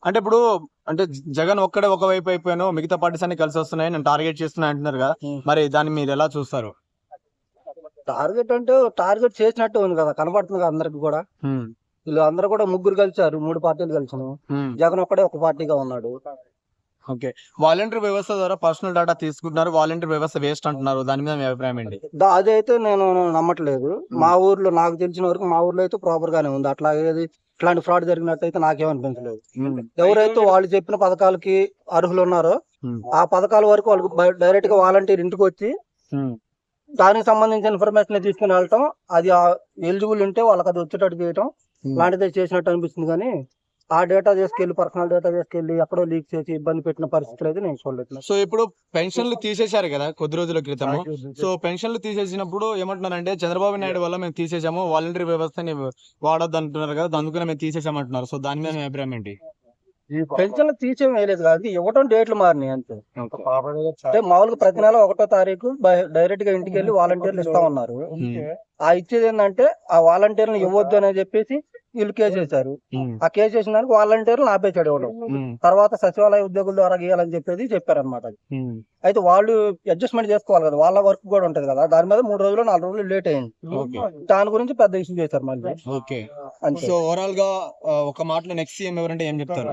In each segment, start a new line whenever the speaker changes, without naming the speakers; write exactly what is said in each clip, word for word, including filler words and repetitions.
అంటే ఇప్పుడు అంటే జగన్ ఒక్కడే ఒకవైపు అయిపోయాను, మిగతా పార్టీస్ అన్ని కలిసి వస్తున్నాయి, నేను టార్గెట్ చేస్తున్నా అంటున్నారు కదా, మరి దాన్ని మీరు ఎలా చూస్తారు?
టార్గెట్ అంటే టార్గెట్ చేసినట్టు ఉంది కదా, కనబడుతుంది కదా అందరికి కూడా.
ఉమ్,
వీళ్ళు అందరూ కూడా ముగ్గురు కలిసారు, మూడు పార్టీలు కలిసాను.
ఉమ్,
జగన్ ఒక్కడే ఒక పార్టీగా ఉన్నాడు.
ఓకే. వాలంటీర్ వ్యవస్థ ద్వారా పర్సనల్ డేటా తీసుకుంటున్నారు, వాలంటీర్ వ్యవస్థ వేస్ట్ అంటున్నారు, దాని మీద మీ అభిప్రాయం ఏంటి?
దా- అదైతే నేను నమ్మట్లేదు. మా ఊర్లో నాకు తెలిసిన వరకు మా ఊర్లో అయితే ప్రాపర్ గానే ఉంది. అట్లా ఏది ఇట్లాంటి ఫ్రాడ్ జరిగినట్టు అయితే నాకేమనిపించలేదు.
ఉమ్,
ఎవరైతే వాళ్ళు చెప్పిన పథకాలకి అర్హులు ఉన్నారో
ఉమ్,
ఆ పథకాల వరకు వాళ్ళకి డైరెక్ట్ గా వాలంటీర్ ఇంటికి వచ్చి
ఉమ్,
దానికి సంబంధించిన ఇన్ఫర్మేషన్ తీసుకుని వెళ్ళటం, అది ఎలిజిబుల్ ఉంటే వాళ్ళకి అది వచ్చేటట్టు చేయటం
ఉమ్.
లాంటిదే చేసినట్టు అనిపిస్తుంది. కానీ ఆ డేటా తీసుకెళ్లి పర్సనల్ డేటా తీసుకెళ్లి ఎక్కడో లీక్ చేసి ఇబ్బంది పెట్టిన పరిస్థితులు అయితే నేను చూడలేదు.
సో ఇప్పుడు పెన్షన్లు తీసేశారు కదా కొద్ది రోజుల క్రితము. సో పెన్షన్లు తీసేసినప్పుడు ఏమంటున్నారంటే చంద్రబాబు నాయుడు వల్ల మేము తీసేసాము, వాలంటీర్ వ్యవస్థని వాడొద్దు అంటున్నారు కదా, అందుకనే మేము తీసేసామంటున్నారు. సో దాని మీద మీ అభిప్రాయం ఏంటి?
పెన్షన్లు తీసేం వేయలేదు కాదు, ఇవ్వటం డేట్లు మారినాయి అంతే. అంటే మామూలుగా ప్రతి నెల ఒకటో తారీఖు డైరెక్ట్ గా ఇంటికి వెళ్ళి వాలంటీర్లు ఇస్తా ఉన్నారు. ఆ ఇచ్చేది ఏంటంటే ఆ వాలంటీర్లు ఇవ్వద్దు అని చెప్పేసి వీళ్ళు కేసు వేశారు.
ఉమ్,
ఆ కేసు వేసిన దానికి వాలంటీర్లు ఆపేశాడు ఇవ్వడం.
ఉమ్,
తర్వాత సచివాలయ ఉద్యోగుల ద్వారా గీయాలని చెప్పేసి చెప్పారనమాట.
ఉమ్,
అయితే వాళ్ళు అడ్జస్ట్మెంట్ చేసుకోవాలి కదా, వాళ్ళ వర్క్ కూడా ఉంటది కదా. దాని మీద మూడు రోజులు నాలుగు రోజులు లేట్ అయింది.
ఓకే.
దాని గురించి పెద్ద ఇష్యూ చేశారు మళ్ళీ.
ఓకే.
అంతే.
సో ఓవరాల్ గా ఆ, ఒక మాటలో నెక్స్ట్ సీఎం ఎవరంటే ఏం చెప్తారు?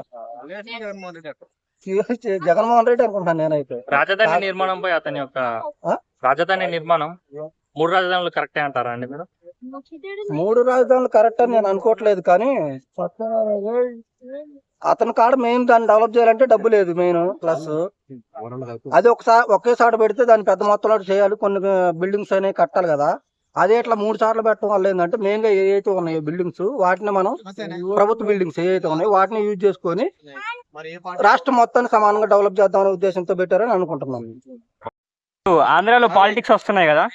జగన్మోహన్ రెడ్డి అనుకుంటాను నేనైతే.
రాజధాని నిర్మాణంపై అతని యొక్క
ఆ?
రాజధాని నిర్మాణం మూడు రాజధానులు కరెక్టే అంటారా అండి మీరు?
మూడు రాజధానులు కరెక్ట్ అని నేను అనుకోవట్లేదు, కానీ అతని కాడ మెయిన్ దాన్ని డెవలప్ చేయాలంటే డబ్బు లేదు మెయిన్. ప్లస్ అది ఒకసారి ఒకేసారి పెడితే దాన్ని పెద్ద మొత్తంలో చేయాలి, కొన్ని బిల్డింగ్స్ అనేవి కట్టాలి కదా. అదే ఇట్లా మూడు సార్లు పెట్టడం వల్ల ఏంటంటే మెయిన్ గా ఏవైతే ఉన్నాయో బిల్డింగ్స్, వాటిని మనం ప్రభుత్వ బిల్డింగ్స్ ఏవైతే ఉన్నాయో వాటిని యూజ్ చేసుకొని రాష్ట్రం మొత్తాన్ని సమానంగా డెవలప్ చేద్దామనే ఉద్దేశంతో పెట్టారని అనుకుంటున్నాను.
ఆంధ్రాలో పాలిటిక్స్ వస్తున్నాయి కదా,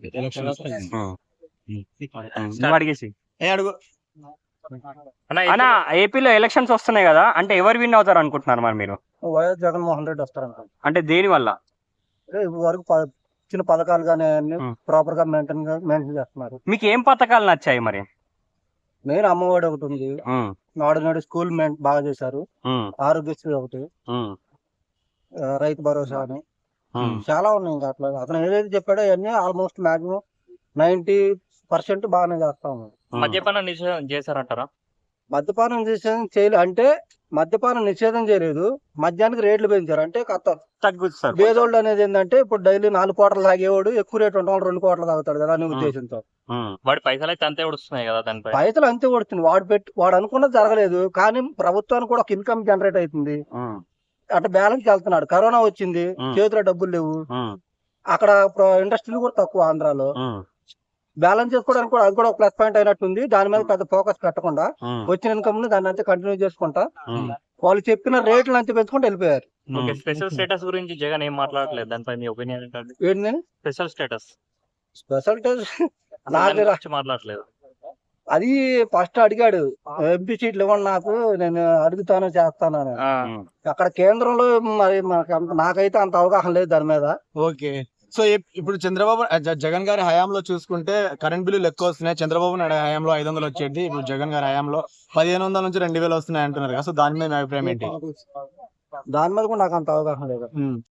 అడిగేసి
ఏ అడుగు.
అన్న ఏపీలో ఎలక్షన్స్ వస్తున్నాయి కదా, అంటే ఎవరు విన్ అవుతారు అనుకుంటున్నారు మరి మీరు?
వైఎస్ జగన్మోహన్ రెడ్డి వస్తారంట.
అంటే దేని వల్ల?
వరకు చిన్న పథకాలు కానీ అన్ని ప్రాపర్ గా మెయింటైన్ గా మెయింటైన్ చేస్తున్నారు.
మీకు ఏం పథకాలు నచ్చాయి మరి?
మెయిన్ అమ్మఒడి ఒకటి ఉంది,
ఉమ్,
నాడు నాడు స్కూల్ మెయిన్ బాగా చేశారు,
ఉమ్,
ఆరోగ్యశ్రీ ఒకటి,
ఉమ్,
ఆ, రైతు భరోసా అని
ఉమ్.
చాలా ఉన్నాయి. ఇంకా అట్లా అతను ఏదైతే చెప్పాడో అవన్నీ ఆల్మోస్ట్ మాక్సిమం నైన్టీ పర్సెంట్ బాగానే చేస్తా ఉన్నాడు.
మద్యపాన నిషేధం చేశారంటారా?
మద్యపానం నిషేధం చేయలేదు అంటే మద్యపానం నిషేధం చేయలేదు, మద్యానికి రేట్లు పెంచారు. అంటే కొత్త
తగ్గుతారు.
బేదోళ్ళు అనేది ఏంటంటే ఇప్పుడు డైలీ నాలుగు కోట్ల తాగేవాడు ఎక్కువ రేటు ఉంటాడు, రెండు కోట్ల తాగుతాడు కదా అనే ఉద్దేశంతో.
వాడి పైసలు అయితే అంతే వస్తున్నాయి కదా దానిపై.
పైసలు అంతే కొడుతుంది, వాడు పెట్టి వాడు అనుకున్నది జరగలేదు, కానీ ప్రభుత్వానికి కూడా ఒక ఇన్కమ్ జనరేట్ అవుతుంది, అట్లా బ్యాలెన్స్ వెళ్తున్నాడు. కరోనా వచ్చింది, చేతిలో డబ్బులు లేవు, అక్కడ ఇండస్ట్రీలు కూడా తక్కువ ఆంధ్రాలో. బ్యాలెన్స్ చేసుకోవడానికి కూడా అది కూడా ఒక ప్లస్ పాయింట్ అయినట్టుంది. దాని మీద పెద్ద ఫోకస్ పెట్టకుండా వచ్చిన ఇన్కమ్ ని దాన్ని అంతా కంటిన్యూ చేసుకుంటా వాళ్ళు చెప్పిన రేట్లు అంతా పెంచుకుంటూ వెళ్ళిపోయారు.
స్పెషల్ స్టేటస్ గురించి జగన్ ఏం మాట్లాడలేదు, దానిపై మీ ఒపీనియన్ ఏంటంటే?
ఏంటి
స్పెషల్ స్టేటస్
స్పెషల్ నాకు
మాట్లాడలేదు.
అది ఫస్ట్ అడిగాడు, ఎంపీ సీట్లు ఇవ్వండి నాకు, నేను అడుగుతాను చేస్తాను అని. అక్కడ కేంద్రంలో మరి మనకు అంత నాకైతే అంత అవగాహన లేదు దాని మీద.
ఓకే. సో ఇప్- ఇప్పుడు చంద్రబాబు జ- జగన్ గారి హయాంలో చూసుకుంటే కరెంట్ బిల్లులు ఎక్కువ వస్తున్నాయి. చంద్రబాబు నాయుడు హయాంలో ఐదు వందలు వచ్చేది, ఇప్పుడు జగన్ గారి హయాంలో పదిహేను వందల నుంచి రెండు వేలు వస్తున్నాయి అంటున్నారు కదా. సో దాని మీద మీ అభిప్రాయం ఏంటి?
దాని మీద కూడా నాకు అంత అవగాహన లేదు.
ఉమ్.